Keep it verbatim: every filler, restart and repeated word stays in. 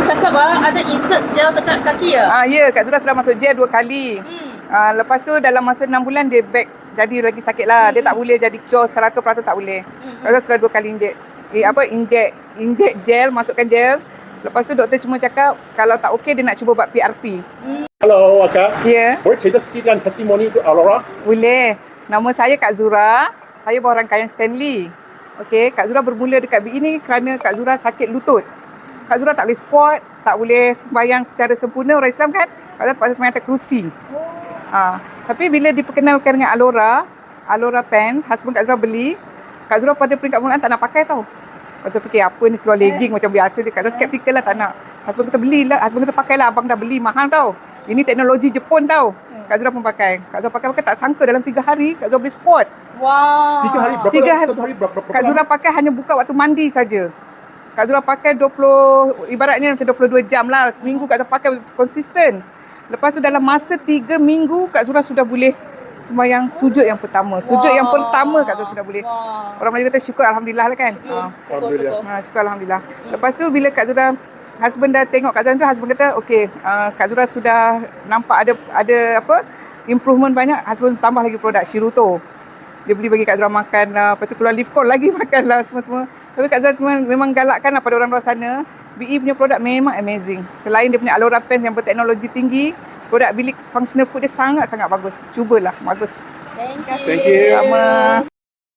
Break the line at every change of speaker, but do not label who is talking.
cakap ah, ada insert gel dekat kaki ya?
Ah, ya, Kak Zura sudah masuk gel dua kali.
Hmm.
Ah, lepas tu dalam masa enam bulan dia back jadi lagi sakit lah. Dia
Hmm.
tak boleh jadi cure seratus peratus tak boleh.
Hmm.
Kak Zura sudah dua kali injek. Eh, apa, injek, injek gel, masukkan gel. Lepas tu doktor cuma cakap kalau tak okey dia nak cuba buat P R P.
Hello, Aka.
Ya,
Boleh cerita sikit kan testimoni untuk Aurora?
boleh. Nama saya Kak Zura. Saya bawa rangkaian Stanley. Okey, Kak Zura bermula dekat B I ni kerana Kak Zura sakit lutut. Kak Zura tak boleh squat, tak boleh sembahyang secara sempurna orang Islam kan. Kak Zura terpaksa sembahyang atas kerusi. Ha, tapi bila diperkenalkan dengan Alora, Alora Pen, husband Kak Zura beli, Kak Zura pada peringkat mulaan tak nak pakai tau. Kak Zura fikir apa ni seluar legging macam biasa dia. Kak Zura skeptikal lah tak nak. Husband kata belilah, husband kata pakailah, abang dah beli mahal tau. Ini teknologi Jepun tau. Kak Zura pun pakai. Kak Zura pakai-pakai tak sangka dalam tiga hari Kak Zura boleh squat.
Wow.
Tiga hari berapa?
Tiga hari.
Satu hari berapa? berapa
Kak Zura pakai hanya buka waktu mandi saja. Kak Zura pakai dua puluh, ibaratnya macam dua puluh dua jam lah. Seminggu Kak Zura pakai konsisten. Lepas tu dalam masa tiga minggu Kak Zura sudah boleh sembahyang sujud yang pertama. Sujud
Wow.
yang pertama Kak Zura sudah boleh.
Wow.
Orang Melayu kata syukur Alhamdulillah lah kan. Ha.
Alhamdulillah.
Ha, syukur Alhamdulillah. Lepas tu bila Kak Zura, husband dah tengok Kak Zura tu, husband kata okey, uh, Kak Zura sudah nampak ada ada apa improvement banyak. Husband tambah lagi produk Shiruto. Dia beli bagi Kak Zura makan, uh, lepas tu keluar lift call lagi makan lah semua-semua. Tapi Kak Zura memang, memang galakkan lah pada orang luar sana. B I punya produk memang amazing. Selain dia punya Alora Pens yang berteknologi tinggi, produk bilik functional food dia sangat-sangat bagus. Cubalah, bagus.
Thank you.
Thank you.
Sama.